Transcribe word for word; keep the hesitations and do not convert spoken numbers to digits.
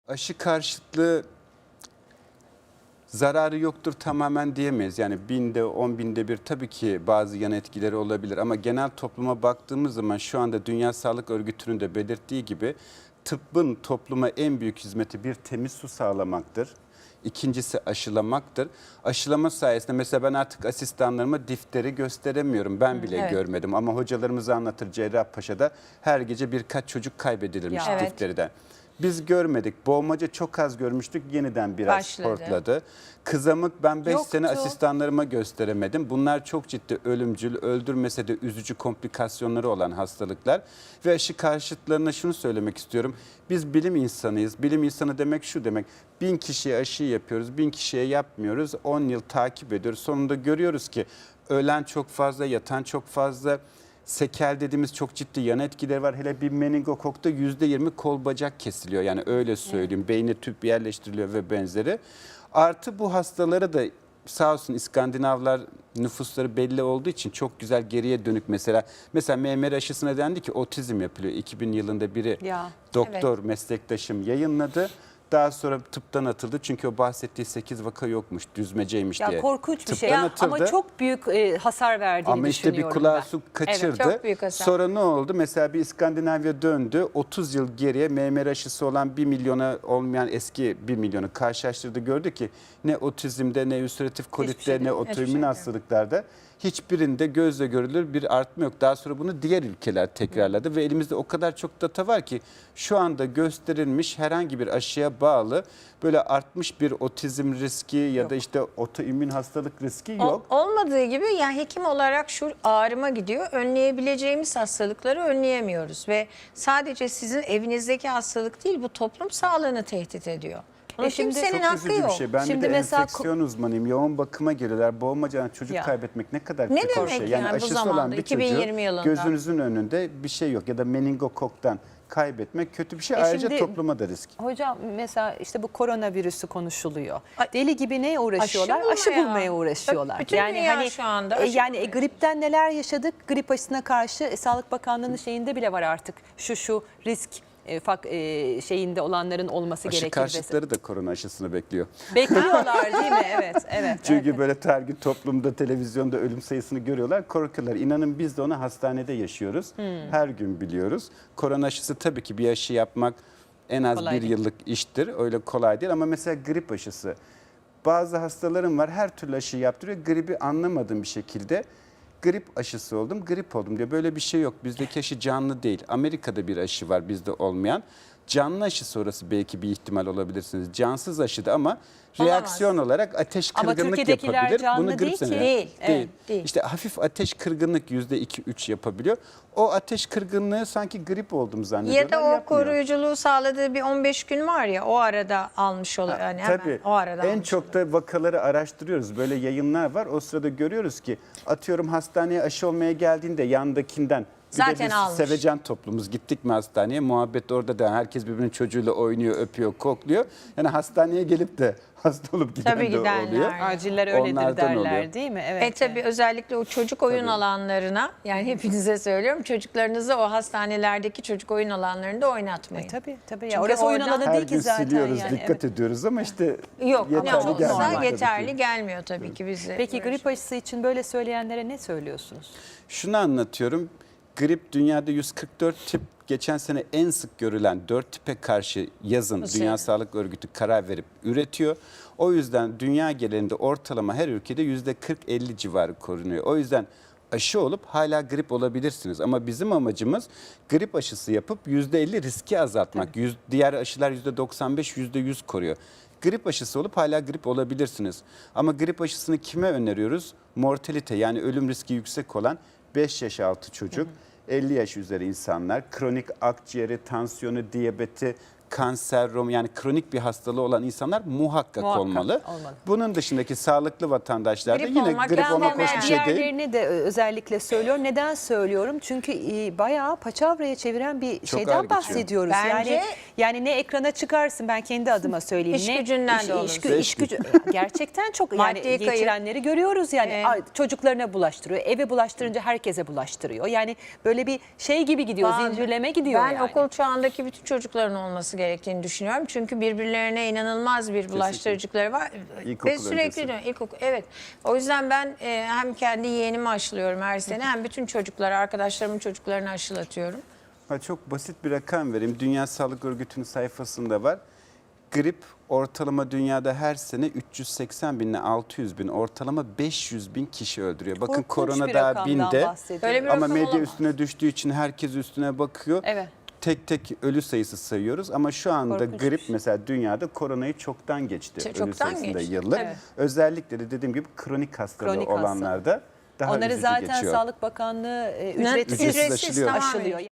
Aşı karşıtlığı zararı yoktur tamamen diyemeyiz. Yani binde, on binde bir tabii ki bazı yan etkileri olabilir. Ama genel topluma baktığımız zaman şu anda Dünya Sağlık Örgütü'nün de belirttiği gibi tıbbın topluma en büyük hizmeti bir temiz su sağlamaktır. İkincisi aşılamaktır. Aşılama sayesinde mesela ben artık asistanlarıma difteri gösteremiyorum. Ben bile Evet. görmedim ama hocalarımız anlatır, Cerrahpaşa'da her gece birkaç çocuk kaybedilirmiş Ya, evet. difteriden. Biz görmedik. Boğmaca çok az görmüştük. Yeniden biraz Başladı. hortladı. Kızamık ben beş Yoktu. sene asistanlarıma gösteremedim. Bunlar çok ciddi ölümcül, öldürmese de üzücü komplikasyonları olan hastalıklar. Ve aşı karşıtlarına şunu söylemek istiyorum. Biz bilim insanıyız. Bilim insanı demek şu demek. Bin kişiye aşı yapıyoruz, bin kişiye yapmıyoruz. On yıl takip ediyoruz. Sonunda görüyoruz ki ölen çok fazla, yatan çok fazla. Sekel dediğimiz çok ciddi yan etkileri var. Hele bir meningokokta yüzde yirmi kol bacak kesiliyor. Yani öyle söyleyeyim. Beyne tüp yerleştiriliyor ve benzeri. Artı bu hastalara da sağ olsun İskandinavlar nüfusları belli olduğu için çok güzel geriye dönük mesela. Mesela M M R aşısına dendi ki otizm yapılıyor. iki bin yılında biri Ya, doktor meslektaşım yayınladı. Daha sonra tıptan atıldı çünkü o bahsettiği sekiz vaka yokmuş, düzmeceymiş Ya diye. korkunç bir şey Tıptan ya. atıldı. Ama çok büyük e, hasar verdiğini Ama işte bir düşünüyorum kulağı ben. su kaçırdı. Evet, çok büyük hasar. Sonra ne oldu? Mesela bir İskandinavya döndü. otuz yıl geriye M M R aşısı olan bir milyona olmayan eski bir milyonu karşılaştırdı. Gördü ki ne otizmde, ne ülseratif kolitte, şeyde, ne hiçbir otoimmün şeyde. hastalıklarda hiçbirinde gözle görülür bir artma yok. Daha sonra bunu diğer ülkeler tekrarladı ve elimizde o kadar çok data var ki şu anda gösterilmiş herhangi bir aşıya bağlı böyle artmış bir otizm riski ya da işte otoimmün hastalık riski yok. Ol- olmadığı gibi yani hekim olarak şu ağrıma gidiyor. Önleyebileceğimiz hastalıkları önleyemiyoruz ve sadece sizin evinizdeki hastalık değil bu toplum sağlığını tehdit ediyor. Bunun E şimdi kimsenin Çok hakkı üzücü yok. bir şey. Ben Şimdi bir de mesela enfeksiyon uzmanıyım. Yoğun bakıma geliyorlar. Boğmacadan çocuk Ya. kaybetmek ne kadar Ne kötü bir demek şey. yani bu aşısı zamanda, olan bir iki bin yirmi çocuğu yılında? gözünüzün önünde bir şey yok. Ya da meningokoktan kaybetmek kötü bir şey. E Ayrıca şimdi- topluma da risk. Hocam mesela işte bu koronavirüsü konuşuluyor. Ay, Deli gibi neye uğraşıyorlar? aşı Aşı, bulmaya. bulmaya uğraşıyorlar. Tabii, bütün dünya şu anda e, aşı yani e, buluyor. gripten neler yaşadık? Grip aşısına karşı e, Sağlık Bakanlığı'nın şeyinde bile var artık. Şu şu risk e, fak, e, şeyinde olanların olması Aşı gerekir. karşıtları da korona aşısını bekliyor. Bekliyorlar değil mi? Evet, evet. Çünkü evet. böyle her gün toplumda, televizyonda ölüm sayısını görüyorlar, korkuyorlar. İnanın biz de onu hastanede yaşıyoruz. Hmm. Her gün biliyoruz. Korona aşısı tabii ki bir aşı yapmak en az Kolay bir değil. yıllık iştir. Öyle kolay değil ama mesela grip aşısı. Bazı hastalarım var her türlü aşı yaptırıyor. Gribi anlamadığım bir şekilde grip aşısı oldum, grip oldum diyor. Böyle bir şey yok. Bizdeki aşı canlı değil. Amerika'da bir aşı var bizde olmayan. Canlı aşı sonrası belki bir ihtimal olabilirsiniz. Cansız aşıda ama reaksiyon olarak ateş Ama kırgınlık Türkiye'dekiler yapabilir. canlı Bunu grip değil ki. sanıyor. Değil, Değil. değil. İşte hafif ateş kırgınlık yüzde iki üç yapabiliyor. O ateş kırgınlığı sanki grip oldum zannediyorlar. Ya da o yapmıyor. koruyuculuğu sağladığı bir on beş gün var ya o arada almış oluyor. Yani hemen Tabii. o arada En almış çok da vakaları araştırıyoruz. Böyle yayınlar var. O sırada görüyoruz ki atıyorum hastaneye aşı olmaya geldiğinde yandakinden bir Zaten de biz almış. sevecen toplumuz. Gittik mi hastaneye? Muhabbet orada da herkes birbirinin çocuğuyla oynuyor, öpüyor, kokluyor. Yani hastaneye gelip de hasta olup giden Tabii de gidenler. oluyor. Aciller öyledir Onlardan derler oluyor. değil mi? Evet. E tabii evet. özellikle o çocuk oyun Tabii. alanlarına yani hepinize söylüyorum çocuklarınızı o hastanelerdeki çocuk oyun alanlarında oynatmayın. E, tabii tabii. Ya. Çünkü Orası oyun oradan- alanı Her değil ki gün zaten. siliyoruz, yani. dikkat Evet. ediyoruz ama işte Yok yeterli ne olsa gelmiyor tabii ki. yeterli gelmiyor tabii ki bize. Peki grip aşısı için böyle söyleyenlere ne söylüyorsunuz? Şunu anlatıyorum. Grip dünyada yüz kırk dört tip, geçen sene en sık görülen dört tipe karşı yazın Nasıl Dünya yani? Sağlık Örgütü karar verip üretiyor. O yüzden dünya genelinde ortalama her ülkede yüzde kırk elli civarı korunuyor. O yüzden aşı olup hala grip olabilirsiniz. Ama bizim amacımız grip aşısı yapıp yüzde elli riski azaltmak. Yüz, diğer aşılar yüzde doksan beş, yüzde yüz koruyor. Grip aşısı olup hala grip olabilirsiniz. Ama grip aşısını kime öneriyoruz? Mortalite yani ölüm riski yüksek olan beş yaş altı çocuk, elli yaş üzeri insanlar, kronik akciğeri, tansiyonu, diyabeti, kanser, rom yani kronik bir hastalığı olan insanlar muhakkak, Muhakkak olmalı. olmalı. Bunun dışındaki sağlıklı vatandaşlar da Grip yine olmak, grip ben olmak hemen hoş bir şey değil. Diğerlerini de özellikle söylüyor. Neden söylüyorum? Çünkü e, bayağı paçavraya çeviren bir Çok ağır şeyden geçiyor. bahsediyoruz. Bence- Yani Yani ne ekrana çıkarsın, ben kendi adıma söyleyeyim. İş ne gücünden iş, de olur. iş, gü- iş gücü gerçekten çok yani Maddi kayıp. geçirenleri görüyoruz yani. Evet. Ay, çocuklarına bulaştırıyor. Eve bulaştırınca herkese bulaştırıyor. Yani böyle bir şey gibi gidiyor, Ben- zincirleme gidiyor Ben yani. okul çağındaki bütün çocukların olması gerektiğini düşünüyorum. Çünkü birbirlerine inanılmaz bir bulaştırıcıkları var. İlkokul Ve sürekli öncesi. diyorum, ilkokul. Evet. O yüzden ben e, hem kendi yeğenimi aşılıyorum her sene hem bütün çocuklara, arkadaşlarımın çocuklarını aşılatıyorum. Ha, çok basit bir rakam vereyim. Dünya Sağlık Örgütü'nün sayfasında var. Grip ortalama dünyada her sene üç yüz seksen bin ile altı yüz bin, ortalama beş yüz bin kişi öldürüyor. Bakın Korkunç korona bir daha rakamdan binde bahsediyor. Öyle bir ama rakam medya olamaz. üstüne düştüğü için herkes üstüne bakıyor. Evet. Tek tek ölü sayısı sayıyoruz ama şu anda Korkunç grip bir şey. mesela dünyada koronayı çoktan geçti. Çok- ölü çoktan sayısında geçti, yıllık. tabii. Özellikle de dediğim gibi kronik hastalığı Kronik hastalığı. olanlarda daha Onları üzücü zaten geçiyor. Sağlık Bakanlığı e, Ne- ücretsiz, Ücretsiz aşılıyor. tamamen. aşılıyor.